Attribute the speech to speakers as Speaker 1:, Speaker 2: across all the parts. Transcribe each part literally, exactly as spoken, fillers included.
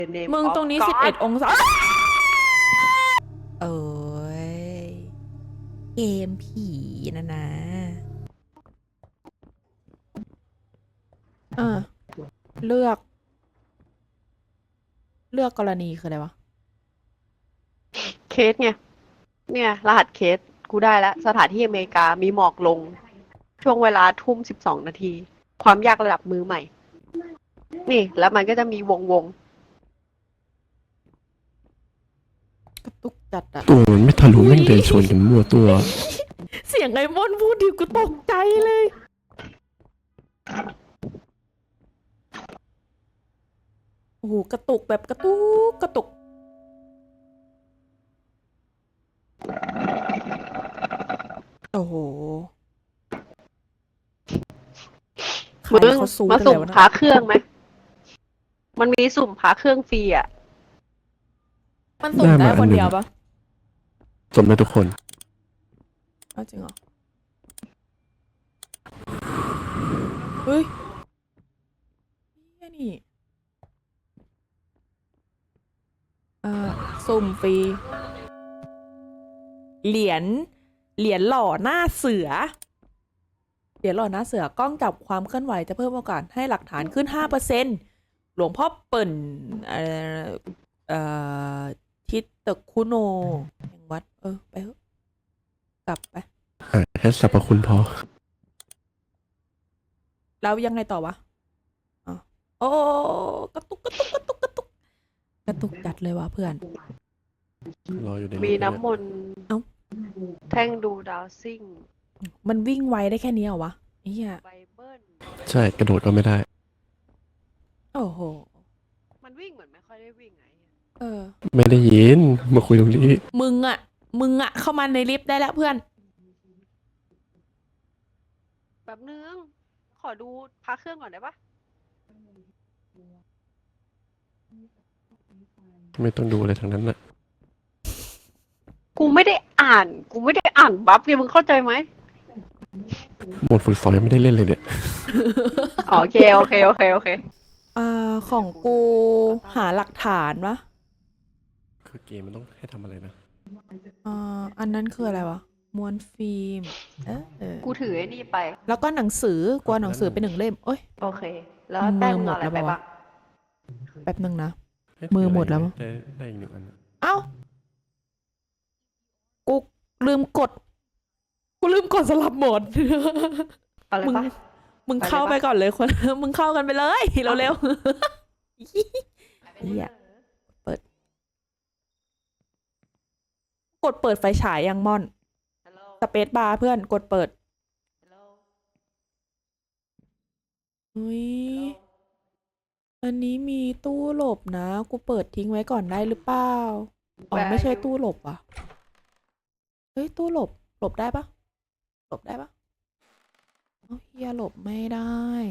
Speaker 1: The name
Speaker 2: มึง
Speaker 1: of
Speaker 2: ตรงนี้
Speaker 1: God
Speaker 2: สิบเอ็ด องศาเอ้ยเกมผีนะนะอ่าเลือก เลือกกรณีคืออะไรวะ
Speaker 1: เคสไงเนี่ย รหัสเคสกูได้แล้ว สถานที่อเมริกามีหมอกลง ช่วงเวลาทุ่มสิบสองนาที ความยากระดับมือใหม่ นี่ แล้วมันก็จะมีวงวง
Speaker 2: กระตุกจัดอะ
Speaker 3: ตัวมันไม่ทะลุแม่งเดินชนกันมั่วตัว
Speaker 2: เสียงไอ้มอนพูดดิกูตกใจเลย โอ้โห กระตุกแบบกระตุกกระตุก โอ้โห ใคร
Speaker 1: มึง
Speaker 2: เขาซู
Speaker 1: มา
Speaker 2: กัน
Speaker 1: สุ่
Speaker 2: แล้
Speaker 1: ม
Speaker 2: วนะ
Speaker 1: พาเครื่องไหม มันมีสุ่มพาเครื่องฟรีอ่ะ
Speaker 2: มันสุ่ม
Speaker 3: ได้
Speaker 2: ได้
Speaker 3: มา
Speaker 2: คน
Speaker 3: อันหนึ่ง
Speaker 2: เดียวปะ
Speaker 3: สมได้ทุกคน
Speaker 2: เอาจริงเหรอ เฮ้ยเหี้ยนี่เอ่อสุ่มฟรี เหรียญ เหรียญหล่อหน้าเสือ เหรียญหล่อหน้าเสือกล้องจับความเคลื่อนไหวจะเพิ่มโอกาสให้หลักฐานขึ้น ห้าเปอร์เซ็นต์ หลวงพ่อเปิ่นเอ่อเอ่อทิศตะคุโนแห่งวัด เออ ไปเถอะกลับไป
Speaker 3: หาแค่สรรพคุณพอ
Speaker 2: แล้วยังไงต่อวะอ๋อโอ้กระตุกกระตุกกระตุกกระตุกกระตุกจัดเลยวะเพื่อน
Speaker 3: รออยู่ใน
Speaker 1: มี
Speaker 3: ลิฟต์
Speaker 1: น้ำมนต์
Speaker 2: เอ้า
Speaker 1: แท่งดูดาวซิ่ง
Speaker 2: มันวิ่งไวได้แค่นี้เหรอวะไอ้เหี้ย
Speaker 1: ไบเบิล
Speaker 3: ใช่ กระโดดก็ไม่ได้
Speaker 2: โอ้โห
Speaker 1: มันวิ่งเหมือนไม่ค่อยได้วิ่งไง
Speaker 2: เออ
Speaker 3: ไม่ได้ยิน มาคุยตรงนี้
Speaker 2: มึงอะมึงอะเข้ามาในลิฟต์ได้แล้วเพื่อน
Speaker 1: แบบนึง ขอดูพาเครื่องก่อนได้ปะ
Speaker 3: ไม่ต้องดูอะไรทั้งนั้นน่ะ
Speaker 1: กูไม่ได้อ่าน กูไม่ได้อ่านบัฟไงมึงเข้าใจไหม
Speaker 3: หมดฝึกสอนยังไม่ได้เล่นเลยเนี่ย
Speaker 1: อ๋อโอเค โอเค โอเค โอเค
Speaker 2: อ่า ของกูหาหลักฐานวะ
Speaker 3: คือเกมมันต้องให้ทำอะไรนะ
Speaker 2: อ่า อันนั้นคืออะไรวะม้วนฟิล์ม เออเออ
Speaker 1: กูถือไอ้นี่ไป
Speaker 2: แล้วก็หนังสือกลัวหนังสือเป็นหนึ่งเล่ม โอ้ย
Speaker 1: โอเค แล้วแต้ม
Speaker 2: มือหมด
Speaker 1: เอาอะไร
Speaker 2: แล้ว
Speaker 1: ไป
Speaker 2: ปะวะ
Speaker 1: บ้าง
Speaker 2: แป๊บนึงนะ
Speaker 3: ให้
Speaker 2: มือ
Speaker 3: ถืะไร
Speaker 2: หมดแล้วมั้ง
Speaker 3: ได้ได้อีกหนึ่งอัน
Speaker 2: เอ้า กูลืมกด กูลืมกดสลับโหมด
Speaker 1: เอาเลย
Speaker 2: มึง
Speaker 1: ปะ
Speaker 2: มึง
Speaker 1: ไปเลย
Speaker 2: เข้า
Speaker 1: ปะ
Speaker 2: ไปก่อนเลยคน มึงเข้ากันไปเลยเร็วๆ เหี้ย เปิด กดเปิดไฟฉายยังม่อน
Speaker 1: ฮัลโหล
Speaker 2: สเปซบาร์เพื่อนกดเปิด
Speaker 1: ฮัลโหล
Speaker 2: อุ้ย อันนี้มีตู้หลบนะ กูเปิดทิ้งไว้ก่อนได้หรือเปล่า อ๋อ
Speaker 1: Where
Speaker 2: ไม่ใช่
Speaker 1: are you?
Speaker 2: ตู้หลบอ่ะ เฮ้ย ตู้หลบ หลบได้ปะหลบได้ปะเอ้าเฮียหลบไม่ได้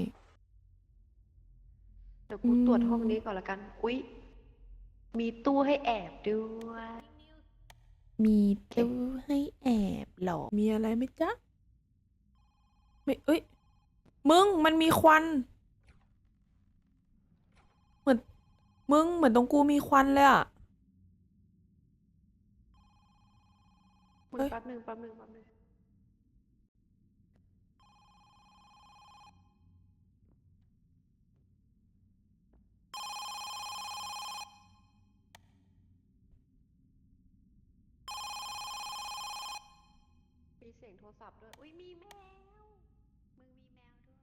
Speaker 1: เดี๋ยวกูตรวจห้องนี้ก่อนละกัน อุ๊ย มีตู้ให้แอบด้วย
Speaker 2: มีตู้ให้แอบเหรอ มีอะไรไหมจ๊ะ ไม่เอ้ย มึง มันมีควัน เหมือน มึง เหมือนตรงกูมีควันเลยอะ
Speaker 1: มึง
Speaker 2: เฮ้ย
Speaker 1: แป๊บนึงแป๊บนึงแป๊บนึงมีเสียงโทรศัพท์ด้วย อุ๊ย มีแมว มึงมีแมวด้วย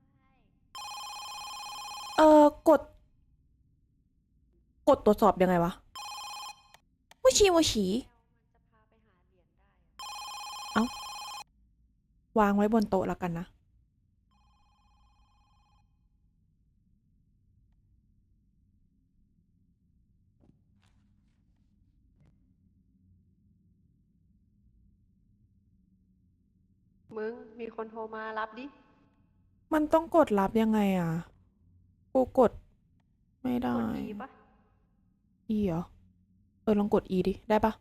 Speaker 2: เออกด กดตรวจสอบยังไงวะวชีวชี
Speaker 1: แมวมันจะพาไปหาเหรียญได้อะ
Speaker 2: วางไว้บนโต๊ะแล้วกันนะ
Speaker 1: มึง มีคนโทรมารับดิ
Speaker 2: มันต้องกดรับยังไงอ่ะ กูกดไม่ได้
Speaker 1: กด E ปะ
Speaker 2: E เหรอ เออ ลองกด E ดิ ได้ปะ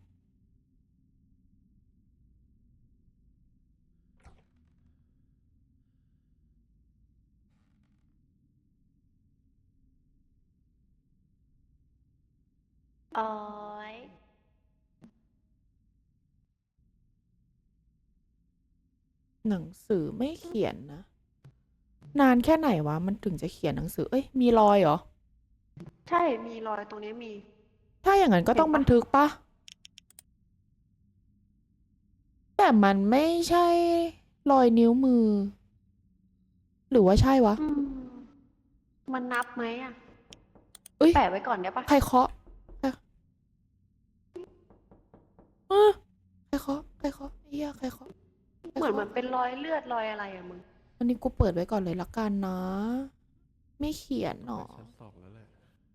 Speaker 1: โอ้ย
Speaker 2: หนังสือไม่เขียนนะ นานแค่ไหนวะ มันถึงจะเขียนหนังสือ เอ้ย มีรอยเหรอ
Speaker 1: ใช่ มีรอยตรงนี้มี
Speaker 2: ถ้าอย่างนั้นก็ต้อง
Speaker 1: เห็นปะ
Speaker 2: บันทึกปะ แต่มันไม่ใช่รอยนิ้วมือ หรือว่าใช่วะ
Speaker 1: อืม มันนับไหมอ่ะ
Speaker 2: เอ้ย
Speaker 1: แปะไว้ก่อนได้ปะ
Speaker 2: ใครเคาะใครเออใครเคาะใครเคาะไอ้เหี้ยใครเคาะใคร
Speaker 1: เหมือน
Speaker 2: เคาะ
Speaker 1: มันเป็นรอยเลือดรอยอะไรอะมึง
Speaker 2: อันนี้กูเปิดไว้ก่อนเลยละกันนะ ไม่เขียนหรอ
Speaker 3: ชั้นสองแล้วแหละ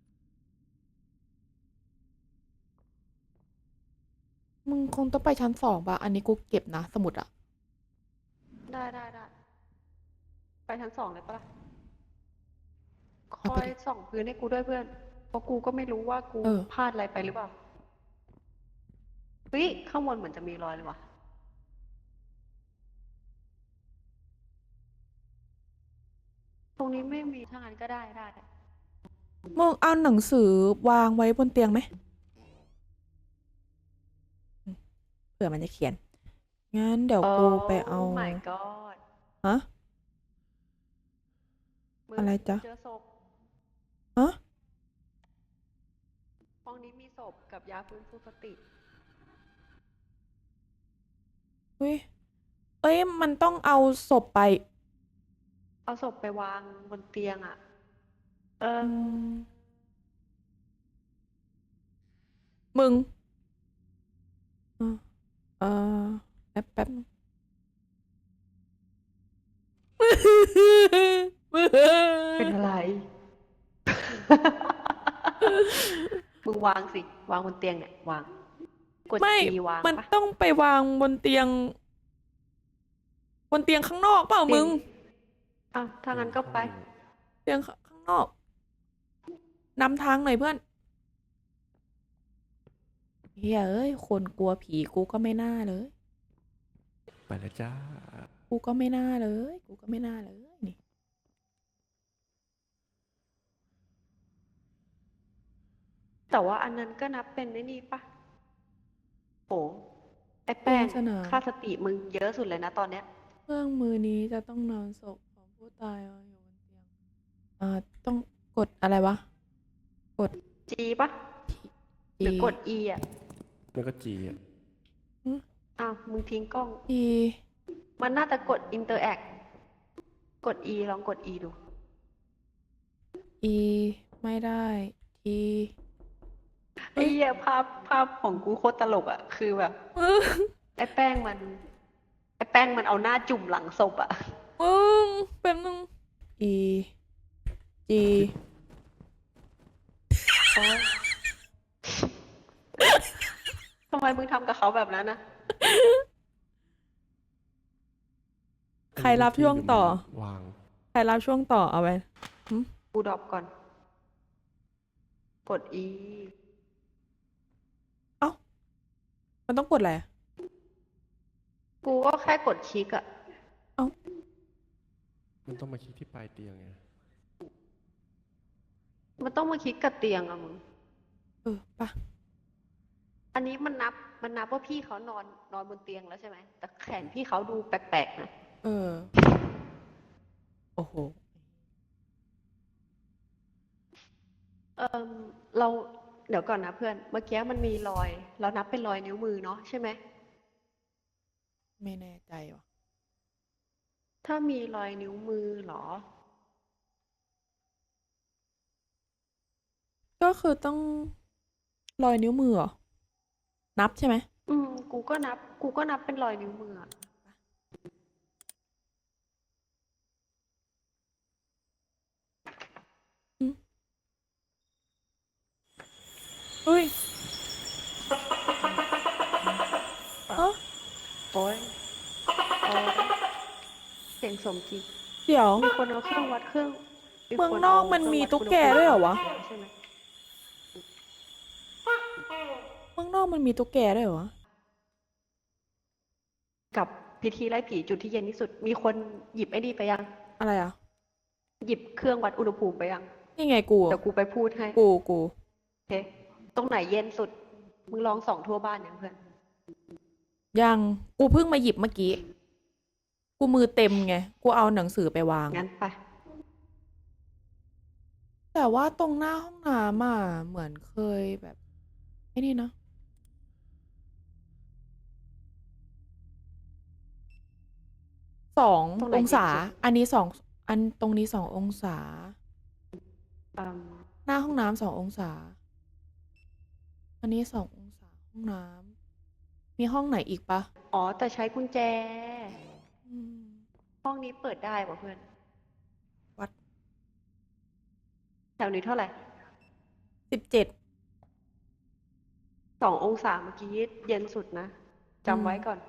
Speaker 2: มึงคงต้องไปชั้นสองปะอันนี้กูเก็บนะ สมุดอะ
Speaker 1: ได้ได้ได้ ไปชั้นสองเลยปะล่ะ ค
Speaker 2: เอา
Speaker 1: อ
Speaker 2: ไป
Speaker 1: ย
Speaker 2: ดิ
Speaker 1: ส่องพื้นให้กูด้วยเพื่อน เพราะกูก็ไม่รู้ว่ากู
Speaker 2: เออ
Speaker 1: พลาดอะไรไปหรือเปล่า เฮ้ย ข้างบนเหมือนจะมีรอยเลยว่ะ ตรงนี้ไม่มี ถ้างั้นก็ได้ได้
Speaker 2: มึงเอาหนังสือวางไว้บนเตียงไหมอืมเผื่อมันจะเขียน งั้นเดี๋ยวกูไปเอา
Speaker 1: Oh my god
Speaker 2: ฮะ
Speaker 1: มึง
Speaker 2: อะไรจ๊ะ
Speaker 1: เจอศพ
Speaker 2: ฮะ
Speaker 1: ห้องนี้มีศพกับยาฟื้นฟูสติ
Speaker 2: เฮ้ย เอ้ย มันต้องเอาศพไป
Speaker 1: เอาศพไปวางบนเตียงอ่ะ เออ
Speaker 2: อืม มึง เออเออแป๊บแป๊บนึง
Speaker 1: เป็นอะไร มึงวางสิ วางบนเตียงเนี่ยวาง กด
Speaker 2: ไม่
Speaker 1: G วาง
Speaker 2: มัน
Speaker 1: ปะ
Speaker 2: ต้องไปวางบนเตียง บนเตียงข้างนอกเปล่ามึง
Speaker 1: อ้าวถ้างั้นก็ไป
Speaker 2: เตียงข้างนอกนำทางหน่อยเพื่อนเฮ้ยเอ้ย คนกลัวผีกูก็ไม่น่าเลย
Speaker 3: ไปแล้วจ้า
Speaker 2: กูก็ไม่น่าเลย กูก็ไม่น่าเลยนี่
Speaker 1: แต่ว่าอันนั้นก็นับเป็นไอ้นี่ปะโห ไอ้แป้ง
Speaker 2: สนาม
Speaker 1: ค่าสติมึงเยอะสุดเลยนะตอนเนี้ย
Speaker 2: เครื่องมือนี้จะต้องนอนศพของผู้ตายวางอยู่บนเตียง อ่า ต้องกดอะไรวะ กด
Speaker 1: G ปะหรือ
Speaker 2: G
Speaker 1: กด E อ่ะ
Speaker 3: มันก็จีอ่ะ
Speaker 1: อ้าว มึงทิ้งกล้อง
Speaker 2: E
Speaker 1: มันน่าจะกด interact กด E ลองกด E ดู
Speaker 2: E ไม่ได้ T
Speaker 1: ไอ้เหี้ยภาพภาพของกูโคตรตลกอ่ะ คือแบบ ไอ้แป้งมัน ไอ้แป้งมันเอาหน้าจุ่มหลังศพอ่ะ
Speaker 2: มึงแป๊บนึง E G
Speaker 1: โอ๊ย ทำไมมึงทำกับเขาแบบนั้นนะ
Speaker 2: ใครรับช่วงต่อ
Speaker 3: วาง
Speaker 2: ใครรับช่วงต่อเอาไป
Speaker 1: กูดรอปก่อน กด E
Speaker 2: มันต้องกดอะไรอะ
Speaker 1: กูก็แค่กดคลิกอ่ะ
Speaker 3: มันต้องมาคลิกที่ปลายเตียงไง
Speaker 1: มันต้องมาคลิกกับเตียงอะมึง
Speaker 2: เออปะ
Speaker 1: อันนี้มันนับ มันนับว่าพี่เขานอนนอนบนเตียงแล้วใช่ไหม แต่แขนพี่เขาดูแปลกๆนะ
Speaker 2: เออ โอ้โห
Speaker 1: เออเราเดี๋ยวก่อนนะเพื่อน เมื่อกี้มันมีรอย เรานับเป็นรอยนิ้วมือเนาะใช่ไหม
Speaker 2: ไม่แน่ใจว่ะ
Speaker 1: ถ้ามีรอยนิ้วมือเหรอ
Speaker 2: ก็คือต้องรอยนิ้วมือเหรอ นับใช่ไหม
Speaker 1: อืม กูก็นับ กูก็นับเป็นรอยนิ้วมืออะ
Speaker 2: เฮ้ยเอ้า
Speaker 1: โอ้ยโอ้ยเสียงสมจริง
Speaker 2: เดี๋ยว
Speaker 1: มีคนเอาเครื่องวัดเครื่อง
Speaker 2: เมือง
Speaker 1: คน
Speaker 2: นอก
Speaker 1: เา
Speaker 2: มัน
Speaker 1: เครื่อง
Speaker 2: มี
Speaker 1: วัด
Speaker 2: ตุ๊ก
Speaker 1: อุณ
Speaker 2: แก
Speaker 1: ภูมิ
Speaker 2: ด้วยเหรอวะ
Speaker 1: ใช่ไหม
Speaker 2: เมืองนอกมันมีตุ๊กแกด้วยเหรอวะ
Speaker 1: กับพิธีไล่ผีจุดที่เย็นที่สุด มีคนหยิบไอ้นี่ไปยัง
Speaker 2: อะไรอ่ะ
Speaker 1: หยิบเครื่องวัดอุณหภูมิไปยัง
Speaker 2: นี่ไงกู
Speaker 1: เดี๋ยวกูไปพูดให้
Speaker 2: กู กู
Speaker 1: โอเคตรงไหนเย็นสุด มึงลองส่องทั่วบ้านยังเพื่อน
Speaker 2: ยังกูเพิ่งมาหยิบเมื่อกี้ กูมือเต็มไง กูเอาหนังสือไปวาง
Speaker 1: งั้นไป
Speaker 2: แต่ว่าตรงหน้าห้องน้ำอ่ะเหมือนเคยแบบไอ้นี่นะสอง
Speaker 1: ตรงไหน
Speaker 2: องศา
Speaker 1: เย็นสุด
Speaker 2: อันนี้สองอันตรงนี้สององศา
Speaker 1: อืม
Speaker 2: หน้าห้องน้ำสององศา อันนี้สององศาห้องน้ำมีห้องไหนอีกปะ
Speaker 1: อ๋อ แต่ใช้กุญแจ
Speaker 2: อืม
Speaker 1: ห้องนี้เปิดได้ป่ะเพื่อน
Speaker 2: วัด
Speaker 1: แถวนี้เท่าไหร่
Speaker 2: สิบเจ็ด
Speaker 1: สององศาเมื่อกี้เย็นสุดนะจำไว้ก่อน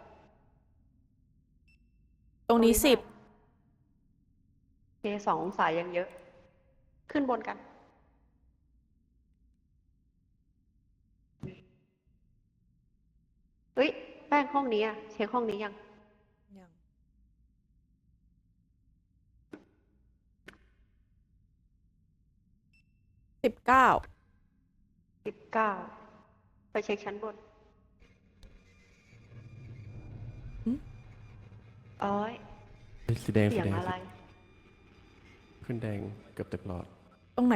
Speaker 2: ตรงนี้สิบ
Speaker 1: โอเคสององศายังเยอะ ขึ้นบนกัน เฮ้ย แป้งห้องนี้อะเช็คห้องนี้ยัง
Speaker 2: ยังสิบเก้า
Speaker 1: สิบเก้า ไปเช็คชั้นบนโอ้ย
Speaker 3: เฮ้ยสีแดง
Speaker 1: เสี
Speaker 3: สี
Speaker 1: ยง
Speaker 3: แดง
Speaker 1: อะไร
Speaker 3: ขึ้นแดงเกือบเต็มหลอด
Speaker 2: ตรงไหน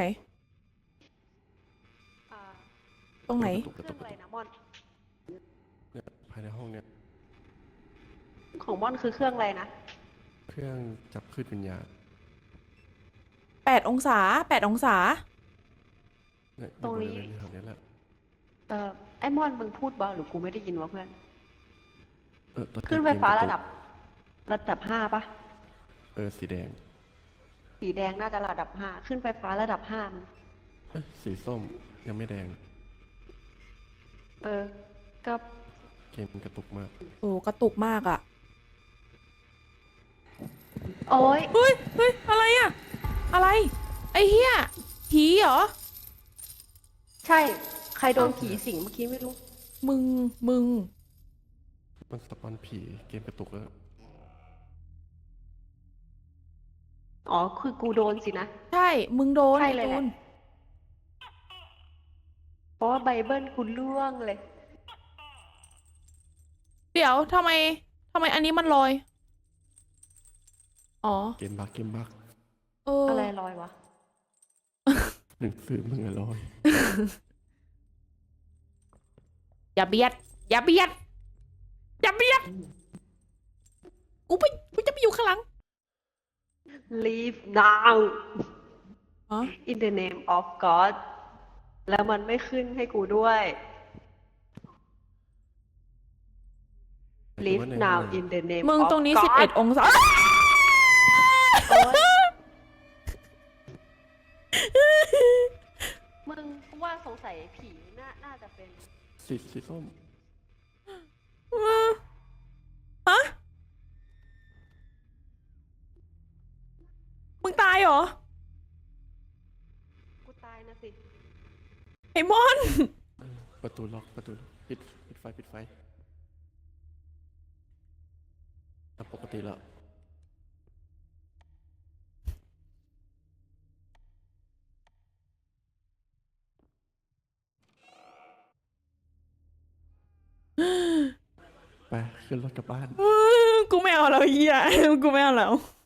Speaker 1: อ่า
Speaker 2: ตรงไหน
Speaker 3: กระตุก
Speaker 1: เค
Speaker 3: กระ
Speaker 1: รื่
Speaker 3: ตุ
Speaker 1: อก ง
Speaker 3: ก
Speaker 1: อะไร
Speaker 3: ระตุก
Speaker 1: นะม่อน
Speaker 3: เนี่ยภายในห้องเนี่ย
Speaker 1: ของม่อนคือเครื่องอะไรนะ
Speaker 3: เครื่องจับคลื่นวิญญาณ
Speaker 2: แปดองศา แปดองศา
Speaker 3: เนี่ยอ
Speaker 1: ตรง
Speaker 3: ยู่บ
Speaker 1: นี้
Speaker 3: ริเวณแถวนี้แหละ
Speaker 1: เออไอ้ม่อนมึงพูดเบาหรือกูไม่ได้ยินวะเพื่อน
Speaker 3: เออตอน
Speaker 1: ขึ้นไฟฟ้าระดับ ระดับห้าปะ
Speaker 3: เออสีแดง
Speaker 1: สีแดงน่าจะระดับห้า ขึ้นไฟฟ้าระดับห้ามัน
Speaker 3: เอ้ยสีส้มยังไม่แดง
Speaker 1: เออ ก็
Speaker 3: เกมมันกระตุกมาก
Speaker 2: โอ้กระตุกมากอะ
Speaker 1: โอ้ย
Speaker 2: เฮ้ย เฮ้ย อะไรอะอะไร ไอ้เหี้ย ผีเหรอ
Speaker 1: ใช่ ใครโดนผีสิงเมื่อกี้ไม่รู้
Speaker 2: มึง มึง
Speaker 3: มันสปอนผีเกมกระตุกแล้ว
Speaker 1: อ๋อ คือกูโดนสินะ
Speaker 2: ใช่ มึงโดน
Speaker 1: ใช่
Speaker 2: ไอ้
Speaker 1: เลยแห
Speaker 2: ตู
Speaker 1: ละ
Speaker 2: น
Speaker 1: เพราะว่าไบเบิลกูล่วงเลย
Speaker 2: เดี๋ยวทำไมทำไมอันนี้มันลอย อ๋อ
Speaker 3: เกมบักเกมบัก
Speaker 2: เอออ
Speaker 1: อะไรลอยวะ
Speaker 3: หนึ่งสื่อมึงอะลอย
Speaker 2: อย่าเบียด อย่าเบียด อย่าเบียด กูไป กูจะไปอยู่ข้างหลัง
Speaker 1: leave now
Speaker 2: อ๋อ
Speaker 1: in the name of God แล้วมันไม่ขึ้นให้กูด้วย leave
Speaker 3: แต่ว่าใน
Speaker 1: now
Speaker 3: ห้อง
Speaker 1: in the name
Speaker 2: มึง
Speaker 1: of
Speaker 2: ตรงนี้
Speaker 1: God
Speaker 2: สิบเอ็ดองศา
Speaker 1: โอ๊ยมึงกูว่าสงสัยผีน่าน่าจะเป็น
Speaker 3: สีสีส้ม
Speaker 2: ฮะ มึงตายเหรอ
Speaker 1: กูตายนะสิ
Speaker 2: ไอ้มอน
Speaker 3: ประตูล็อกประตูล็อกปิดปิดไฟปิดไฟอ่ะปกติแล้ว ไปขึ้นรถกลับบ้าน
Speaker 2: กูไม่เอาแล้วเฮียกูไม่เอาแล้ว